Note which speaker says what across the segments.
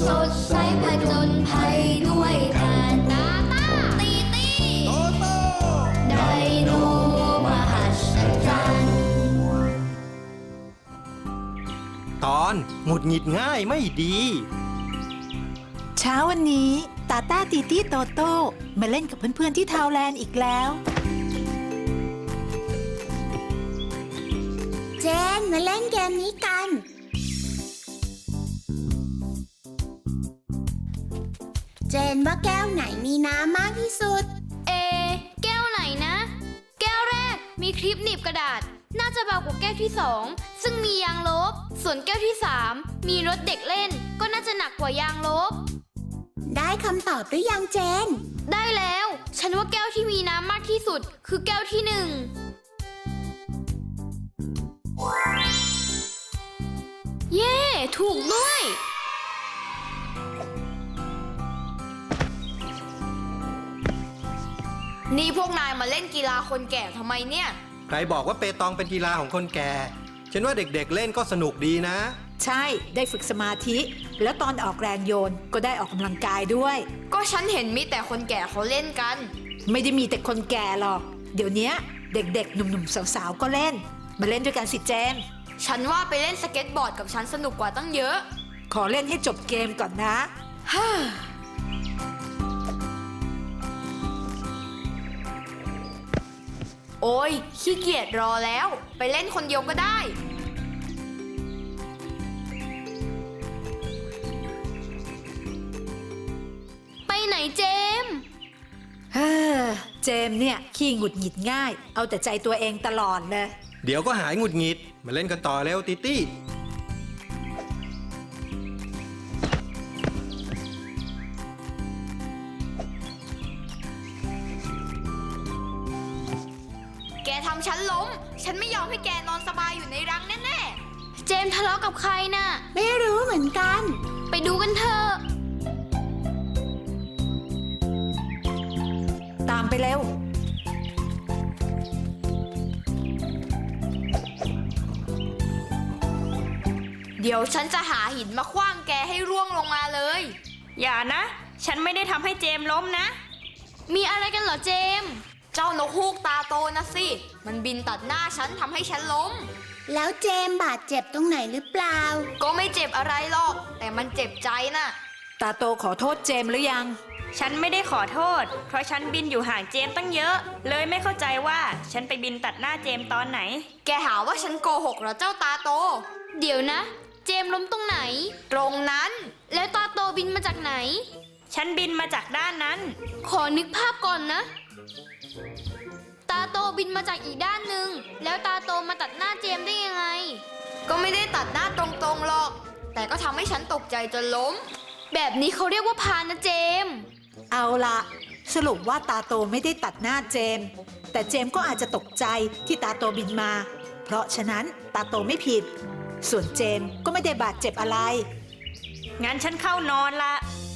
Speaker 1: สดใสผจญภัยด้วยกันตาตาตีตีโตโตไดโนมหัศจรรย์
Speaker 2: ตอนหงุดหงิดง่ายไม่ดี
Speaker 3: เช้าวันนี้ตาต้าตีตี้โตโต้มาเล่นกับเพื่อนๆที่ทาวแลนด์อีกแล้ว
Speaker 4: เจนมาเล่นเกมนี้กันเจนว่าแก้วไหนมีน้ำมากที่สุด
Speaker 1: แก้วไหนนะแก้วแรกมีคลิปหนีบกระดาษน่าจะเบากว่าแก้วที่2ซึ่งมียางลบส่วนแก้วที่3มีรถเด็กเล่นก็น่าจะหนักกว่ายางลบ
Speaker 4: ได้คำตอบหรือยังเจน
Speaker 1: ได้แล้วฉันว่าแก้วที่มีน้ำมากที่สุดคือแก้วที่1เย้ถูกด้วยนี่พวกนายมาเล่นกีฬาคนแก่ทำไมเนี่ย
Speaker 2: ใครบอกว่าเปตองเป็นกีฬาของคนแก่ฉันว่าเด็กๆเล่นก็สนุกดีนะ
Speaker 3: ใช่ได้ฝึกสมาธิแล้วตอนออกแรงโยนก็ได้ออกกำลังกายด้วย
Speaker 1: ก็ฉันเห็นมีแต่คนแก่เขาเล่นกัน
Speaker 3: ไม่ได้มีแต่คนแก่หรอกเดี๋ยวนี้เด็กๆหนุ่มๆสาวๆก็เล่นมาเล่นด้วยกันสิเจน
Speaker 1: ฉันว่าไปเล่นสเก็ตบอร์ดกับฉันสนุกกว่าตั้งเยอะ
Speaker 3: ขอเล่นให้จบเกมก่อนนะ
Speaker 1: ฮ่าโอ้ยขี้เกียจรอแล้วไปเล่นคนเดียวก็ได้ไปไหนเจม
Speaker 3: เจมเนี่ยขี้หงุดหงิดง่ายเอาแต่ใจตัวเองตลอดเลย
Speaker 2: เดี๋ยวก็หายหงุดหงิดมาเล่นกันต่อเร็วติตี้
Speaker 1: แกทำฉันล้มฉันไม่ยอมให้แกนอนสบายอยู่ในรังแน่ๆเจมทะเลาะกับใครน่ะ
Speaker 4: ไม่รู้เหมือนกัน
Speaker 1: ไปดูกันเถอะ
Speaker 3: ตามไปเร็ว
Speaker 1: เดี๋ยวฉันจะหาหินมาขว้างแกให้ร่วงลงมาเลย
Speaker 5: อย่านะฉันไม่ได้ทำให้เจมล้มนะ
Speaker 1: มีอะไรกันเหรอเจมเจ้านกฮูกตาโตนะสิมันบินตัดหน้าฉันทำให้ฉันล้ม
Speaker 4: แล้วเจมบาดเจ็บตรงไหนหรือเปล่า
Speaker 1: ก็ไม่เจ็บอะไรหรอกแต่มันเจ็บใจน่ะ
Speaker 3: ตาโตขอโทษเจมหรือยัง
Speaker 5: ฉันไม่ได้ขอโทษเพราะฉันบินอยู่ห่างเจมตั้งเยอะเลยไม่เข้าใจว่าฉันไปบินตัดหน้าเจมตอนไหน
Speaker 1: แกหาว่าฉันโกหกเหรอเจ้าตาโตเดี๋ยวนะเจมล้มตรงไหนตรงนั้นแล้วตาโตบินมาจากไหน
Speaker 5: ฉันบินมาจากด้านนั้น
Speaker 1: ขอนึกภาพก่อนนะตาโตบินมาจากอีกด้านหนึ่งแล้วตาโตมาตัดหน้าเจมได้ยังไงก็ไม่ได้ตัดหน้าตรงๆหรอกแต่ก็ทำให้ฉันตกใจจนล้มแบบนี้เขาเรียกว่าพานะเจม
Speaker 3: เอาละสรุปว่าตาโตไม่ได้ตัดหน้าเจมแต่เจมก็อาจจะตกใจที่ตาโตบินมาเพราะฉะนั้นตาโตไม่ผิดส่วนเจมก็ไม่ได้บาดเจ็บอะไร
Speaker 5: งั้นฉันเข้านอนละ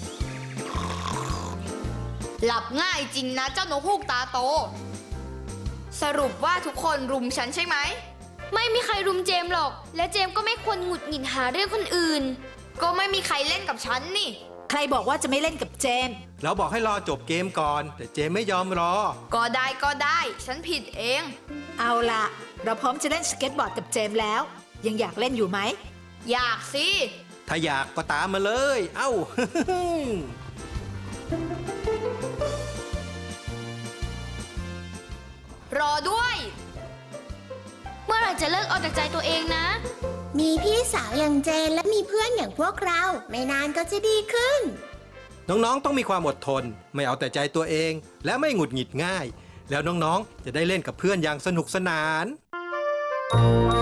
Speaker 1: หลับง่ายจริงนะเจ้านกฮูกตาโตสรุปว่าทุกคนรุมฉันใช่ไหมไม่มีใครรุมเจมหรอกและเจมก็ไม่ควรหงุดหงิดหาเรื่องคนอื่นก็ไม่มีใครเล่นกับฉันนี่
Speaker 3: ใครบอกว่าจะไม่เล่นกับเจม
Speaker 2: เราบอกให้รอจบเกมก่อนแต่เจมไม่ยอมรอ
Speaker 1: ก็ได้ฉันผิดเอง
Speaker 3: เอาล่ะเราพร้อมจะเล่นสเก็ตบอร์ดกับเจมแล้วยังอยากเล่นอยู่ไหม
Speaker 1: อยากสิ
Speaker 2: ถ้าอยากก็ตามมาเลยเอ้า
Speaker 1: รอด้วยเมื่อไหร่จะเลิกเอาแต่ใจตัวเองนะ
Speaker 4: มีพี่สาวอย่างเจนและมีเพื่อนอย่างพวกเราไม่นานก็จะดีขึ้น
Speaker 2: น้องๆต้องมีความอดทนไม่เอาแต่ใจตัวเองและไม่หงุดหงิดง่ายแล้วน้องๆจะได้เล่นกับเพื่อนอย่างสนุกสนาน